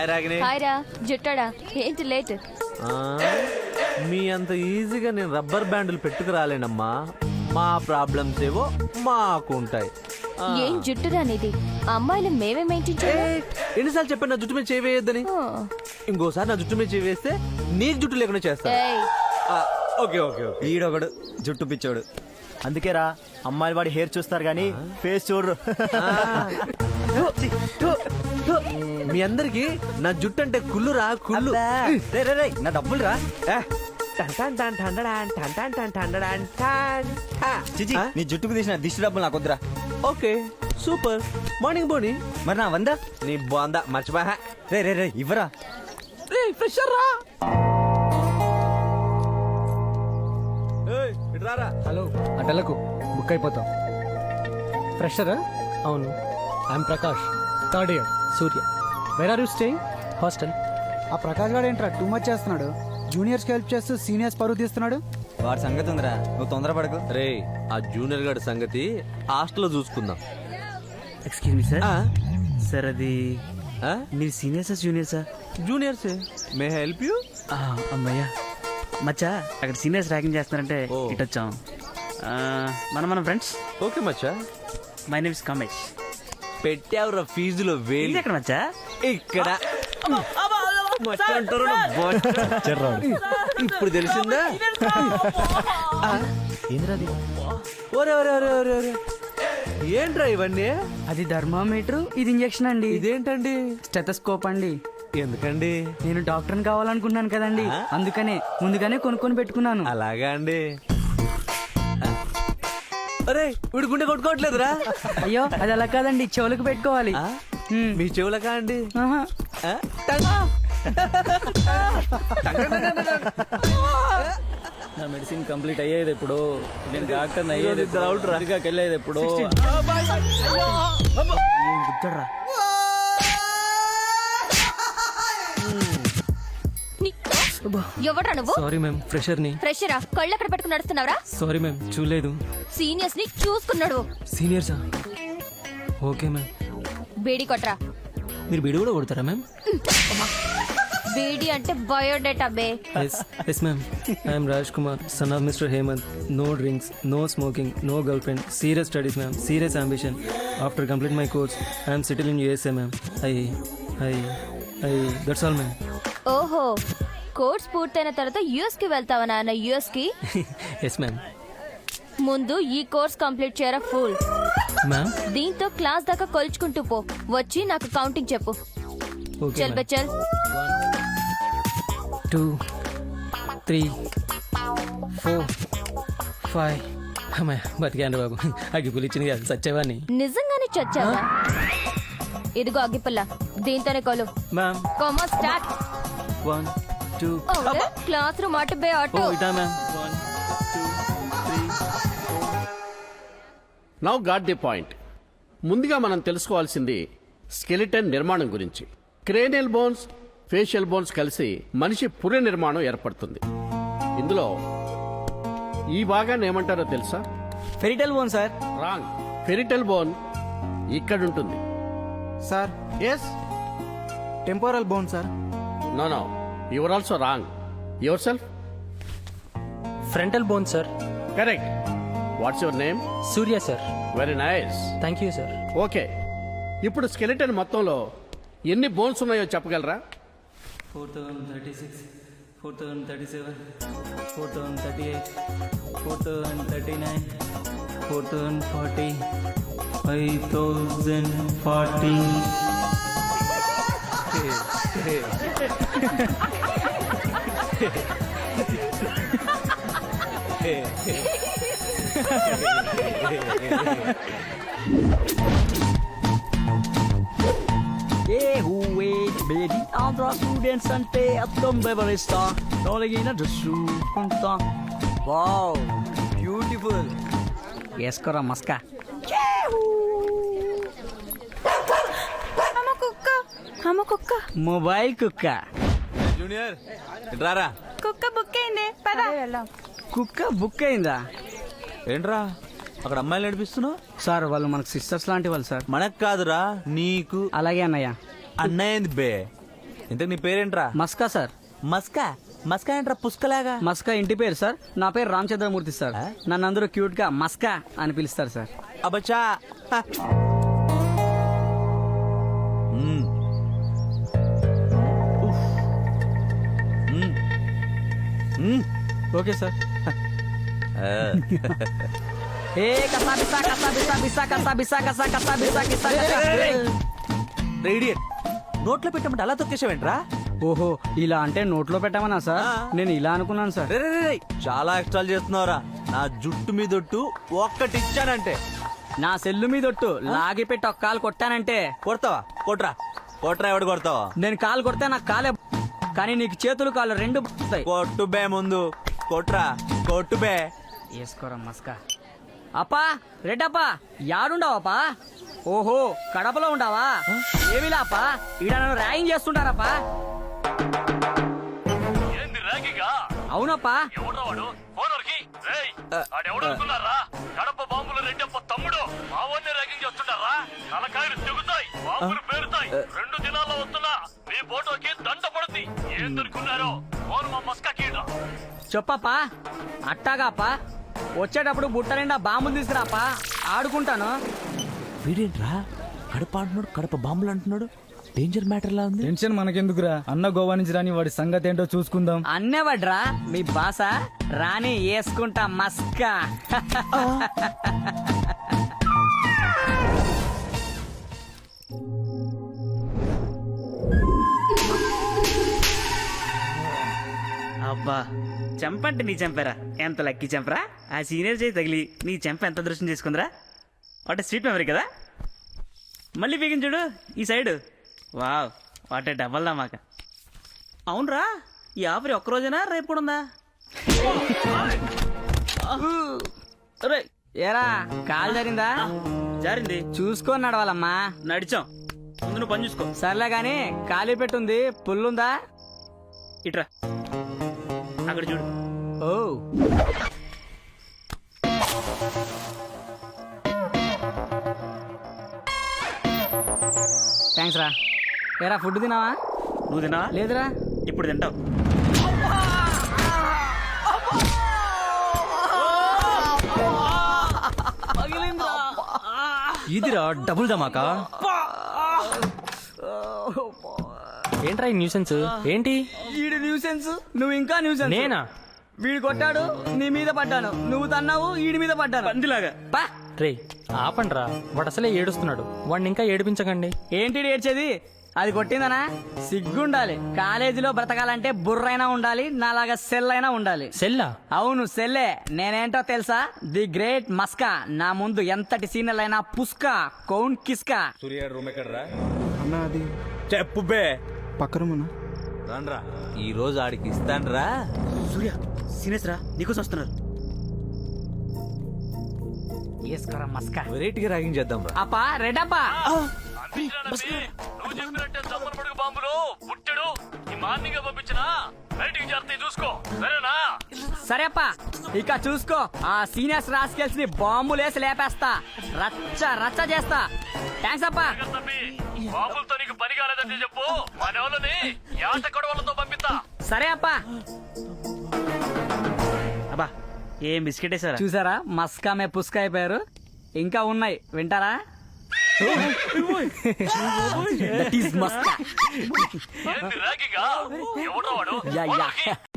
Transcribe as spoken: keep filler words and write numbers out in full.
Hi రాగిని. Hi రా జుట్టాడా ఏంటి late? మీ అంత ఈజీగా నేను రబ్బర్ బ్యాండ్లు పెట్టుకు రాలేనమ్మా. మా ప్రాబ్లమ్స్ ఏవో మాకు ఉంటాయి. ఏం జుట్టురా అనేది? అమ్మాయిలు మేమే మెయింటైన్ చేయాలి. ఎన్నిసార్లు చెప్పాను నా జుట్టు మీద చేయవేయద్దని? ఇంకోసారి నా జుట్టు మీద చేవేస్తే నీకు జుట్టు లేకుండా చేస్తా. Okay okay okay. ఈడొకడు జుట్టు పిచ్చోడు. అందుకేరా అమ్మాయిలు వాడి హెయిర్ చూస్తారు గానీ ఫేస్ చూడరు. మీ అందరికి నా జుట్టు అంటే కుళ్ళురా కుళ్ళు. రే రే రే నా డబ్బులు రా. చిచి నీ జుట్టుకు తీసిన దిష్టి డబ్బులు నాకు వద్దురా. Okay super. మార్నింగ్ బోని. మరి నా వందా? నీ బాందా మర్చిపోయా. రే రే రే ఇవ్వరా. రే ఫ్రెషర్ రా. రారా. హలో అటలకు బుక్ అయిపోతాం. ఫ్రెషరా? అవును. I'm Prakash, third year, Surya. Where are you staying? Hostel. ఆ ప్రకాష్ గారు ఏంట్రా టూ మచ్ చేస్తున్నాడు? జూనియర్స్ కి హెల్ప్ చేస్తూ సీనియర్స్ పరువు తీస్తున్నాడు. వాడి సంగతి ఉందిరా, నువ్వు తొందరపడకు. రే ఆ జూనియర్ గారి సంగతి హాస్టల్లో చూసుకుందాం. Excuse me sir. సార్ అది మీరు సీనియర్సా జూనియర్సా? జూనియర్సే. May help you? అమ్మయ్యా మచ్చా, అక్కడ సీనియర్స్ ర్యాగింగ్ చేస్తున్నారంటే ఇటు వచ్చాం. మనం మన ఫ్రెండ్స్. ఓకే మచ్చా. My name is Kamesh. పెట్టావురా ఫీజులో వేలు. ఎక్కడ మచ్చా? ఇక్కడ ఇప్పుడు తెలిసిందా? ఏంద్రది? ఒరే ఒరే ఒరే ఒరే ఒరే ఏంట్రా ఇవన్నీ? అది థర్మామీటర్, ఇది ఇంజెక్షన్ అండి. ఇదేంటండి? స్టెథోస్కోప్ అండి. ఎందుకండి? నేను డాక్టర్ని కావాలనుకున్నాను కదండి, అందుకనే ముందుగానే కొనుక్కొని పెట్టుకున్నాను. అలాగా అండి. అరే వీడు గుండె కొట్టుకోవట్లేదురా. అయ్యో అది అలా కాదండి, చెవులకు పెట్టుకోవాలి. మీ చెవులకా అండి? నా మెడిసిన్ కంప్లీట్ అయ్యేది ఎప్పుడు? నేను డాక్టర్ అయ్యేది వెళ్ళేది ఎప్పుడు? గుర్తురా. ఎవడ్రా నువ్వు? సారీ మ్యామ్, ఫ్రెషర్ ని. ఫ్రెషరా? కళ్ళు ఎక్కడ పెట్టుకుని నడుస్తున్నావురా? సారీ మ్యామ్, చూడలేదు. సీనియర్స్ ని చూసుకున్నాడు. సీనియర్సా? Okay ma'am. బేడీ కొట్రా. మీరు బిడి కూడా కొడతారా మ్యామ్? బేడీ అంటే బయోడేటా బే. Yes yes ma'am. I'm Raj Kumar, son of mister Hemanth. No drinks, no smoking, no girl friend. Serious studies ma'am, serious ambition. After complete my course I'm settle in USA ma'am. I I I that's all ma'am. ఓహో, course పూర్తయిన తర్వాత US కి వెళ్తావా నాన్న? US కి? Yes ma'am. ముందు ఈ course complete చేయరా ఫుల్. మ్యామ్ దీంతో క్లాస్ దాకా కొలుచుకుంటూ పో. వచ్చి నాకు కౌంటింగ్ చెప్పు. ఓకే చల్ బే చల్. Two three four five. అమ్మాయి బతికాను బాబు. అగ్గిపుల్లి ఇచ్చింది కదా, సచ్చేవాడిని. నిజంగానే చచ్చావా? ఇదిగో అగ్గిపుల్ల, దీంతోనే కొలు. మ్యామ్ కోమా start. One two. Class room అటు బే అటు. ఇటా ma'am. One two three four. Now got the point. ముందుగా మనం తెలుసుకోవాల్సింది స్కెలిటన్ నిర్మాణం గురించి. క్రేనియల్ బోన్స్, ఫేషియల్ బోన్స్ కలిసి మనిషి పుర్రె నిర్మాణం ఏర్పడుతుంది. ఇందులో ఈ భాగాన్ని ఏమంటారో తెలుసా? Parietal bone sir. Wrong. Parietal bone ఇక్కడుంటుంది. Sir yes. Temporal bone sir. No no, your also wrong. Yourself. Frontal bone sir. Correct. What's your name? Surya sir. Very nice. Thank you sir. Okay, ఇప్పుడు skeleton మొత్తంలో ఎన్ని bones ఉన్నాయో చెప్పగలరా? Four thousand thirty six, four thousand thirty seven, four thousand thirty eight, four thousand thirty nine, four thousand forty, five thousand forty. ఏ హూవే baby Andhra students అంటే అర్థం వివరిస్తా. తొలగిన డ్రెస్సు కొంటా. Wow beautiful. వేసుకోరా మస్కా. మొబైల్ కుక్క. జూనియర్ రారా. కుక్క బుక్ అయింది పదా. కుక్క బుక్ అయిందా? ఏంట్రా అక్కడ అమ్మాయిలు నడిపిస్తున్నావు? సార్ వాళ్ళు మనకు సిస్టర్స్ లాంటి వాళ్ళు సార్. మనకు కాదురా, నీకు. అలాగే అన్నయ్య. అన్నయ్యంది బే. ఇంతకు నీ పేరేంట్రా? మస్కా సార్. మస్కా మస్కా ఏంట్రా పుష్కలాగా? మస్కా ఇంటి పేరు సార్. నా పేరు రామచంద్రమూర్తి సార్. నన్ను అందరూ క్యూట్ గా మస్కా అని పిలుస్తారు సార్. అబచ్చా. హ. మ్మ్. ఉఫ్. మ్మ్. మ్మ్. Okay sir. ఆ. ఏ కసా బిసా కసా బిసా బిసా కసా బిసా కసా కసా బిసా కిసా కసా. రే ఇడియట్, నోట్లో పెట్టమంటే అలా తొక్కేసావేంట్రా? ఓహో, ఇలా అంటే నోట్లో పెట్టామన్నా సార్? ఆ. నేను ఇలా అనుకున్నాను సార్. రే రే రే రే, చాలా ఎక్స్ట్రాలు చేస్తున్నావురా. నా జుట్టు మీదొట్టు ఒక్కటి ఇచ్చానంటే నా సెల్లు మీదొట్టు లాగి పెట్టి ఒక కాలు కొట్టానంటే కొడతావా? కొట్రా కొట్రా, ఎవడు కొడతావా? నేను కాలు కొడితే నాకు కాలే, కానీ నీకు చేతులు కాళ్ళు రెండు వస్తాయి. కొట్టు బే ముందు, కొట్రా కొట్టు బే. వేసుకోరా మస్కా. అప్పా రెడ్డప్పా, యాడుండవప్పా? ఓహో, కడపలో ఉండవా? ఏమిలాపా, ఈడ నన్ను ర్యాగింగ్ చేస్తుంటారప్పా. అవునప్పా. కడప బాంబులు రెడ్డప్ప తమ్ముడు మావోన్ని ర్యాగింగ్ చేస్తుంటారా? తలకాయలు తెగుతాయి, బాంబులు పేరుతాయి. రెండు దినాల్లో వస్తున్నా మీ ఫోటోకి దండ పడుతుంది. ఏం దొరుకున్నారో ఫోన్ మా మస్కా కీడా. చెప్పప్పా. అట్టాగాపా, వచ్చేటప్పుడు బుట్ట నిండా బాంబులు తీసుకురాపా, ఆడుకుంటాను. వీడేంట్రా కడప అంటున్నాడు, కడప బాంబులు అంటున్నాడు. డేంజర్ మ్యాటర్ లా ఉంది. టెన్షన్ మనకెందుకురా, అన్న గోవా నుంచి రాని వాడి సంగతి ఏంటో చూసుకుందాం. అన్నేవడ్రా మీ బాస, రాని వేసుకుంటా మస్కా. అబ్బా, చెంపంటే నీ చెంపరా, ఎంత లక్కీ చెంపరా. ఆ సీనియర్ చేయి తగిలి నీ చెంప ఎంత దృష్టం చేసుకుందిరా. వాటే స్వీట్ మెమరీ కదా. మళ్ళీ పీకిన చూడు ఈ సైడ్. వావ్, వాటే డబల్ దా మాక. అవునరా, ఈ ఆఫర్ ఒక్కరోజేనా రేపు కూడా ఉందా? అరే, ఏరా కాలు జరిగిందా? జారింది. చూసుకొని నడవాలమ్మా. నడిచాం, ముందు నువ్వు పని చూసుకో. సర్లే గాని ఖాళీ పెట్టుంది, పుల్లుందా? ఇట్రా, అక్కడ చూడు. ఓ, థ్యాంక్స్ రా. ఏరా ఫుడ్ తినావా? నువ్వు తిన్నావా? లేదురా. ఇప్పుడు తింటావు. ఇదిరా డబుల్ ధమాకా. ఏంట్రా ఈ న్యూసెన్స్? ఏంటి వీడు న్యూసెన్స్, నువ్వు ఇంకా న్యూసెన్స్. నేనా? వీడు కొట్టాడు, నీ మీద పడ్డాను. నువ్వు తన్నావు, వీడి మీద పడ్డాను. పందిలాగా. పా. రే ఆపండ్రా, వాడు అసలే ఏడుస్తున్నాడు, వాడిని ఇంకా ఏడిపించకండి. ఏంటి ఏడ్చేది? అది కొట్టిందనా? సిగ్గుండాలి. కాలేజీలో బ్రతకాలంటే బుర్రైనా ఉండాలి, నాలాగా సెల్ అయినా ఉండాలి. సెల్లా? అవును సెల్లే. నేనేంటో తెలుసా? The great Maska. నా ముందు ఎంతటి సీనియర్లు అయినా పుస్కా, కౌన్ కిస్కా. అన్న అది చెప్పు బే. పక్క రూమునా? రండ్రా, ఈ రోజు ఆడికి ఇస్తాన్రా. సూర్య, సీనియర్స్ రా, నీకోసం వస్తున్నారు. వేసుకోరా మస్కా. వెరైటీగా ర్యాగింగ్ చేద్దాం రా. అప్పా రెడ్డప్పా. నువ్వు చెప్పినట్టే దమ్మల పడుగు బాంబులు పుట్టాడు. ఈ మార్నింగ్ పంపించిన బయటికి చేస్తే చూసుకో, సరేనా? సరే అప్పా, ఇక చూసుకో. ఆ సీనియర్స్ రాసుకెళ్ళి ని బాంబులేసి లేపేస్తా, రచ్చ రచ్చ చేస్తా. థ్యాంక్స్ అప్పా. తప్పి బాంబులతో నీకు పని కాలేదంటే చెప్పు, మన వాళ్ళని యాట కొడవలతో పంపిస్తా. సరే అప్పా. అబ్బా, ఏం బిస్కెట్ వేసారా? చూసారా, మస్కా మే పుస్కా అయిపోయారు. ఇంకా ఉన్నాయి, వింటారా? That is మస్కా. ఏంది ర్యాగింగా? ఎవడో వాడు? Yeah yeah